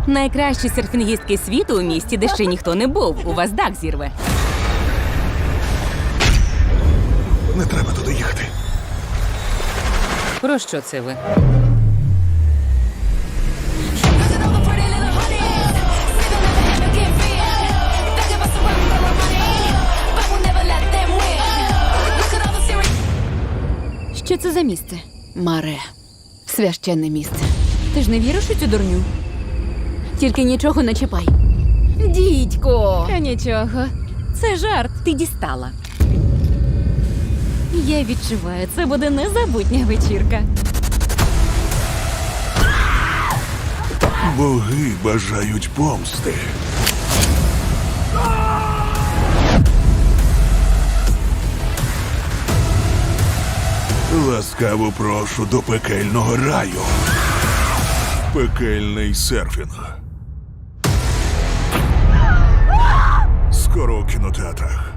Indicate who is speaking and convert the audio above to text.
Speaker 1: Найкращі серфінгістки світу у місті, де ще ніхто не був. У вас дах зірве.
Speaker 2: Не треба туди їхати.
Speaker 1: Про що це ви?
Speaker 3: Що це за місце? Маре. Священне місце. Ти ж не віриш у цю дурню? Тільки нічого не чіпай. Дідько!
Speaker 4: Нічого. Це жарт.
Speaker 1: Ти дістала.
Speaker 4: Я відчуваю, це буде незабутня вечірка.
Speaker 2: Боги бажають помсти. Ласкаво прошу до пекельного раю. Пекельний серфінг. Скоро у кінотеатрах.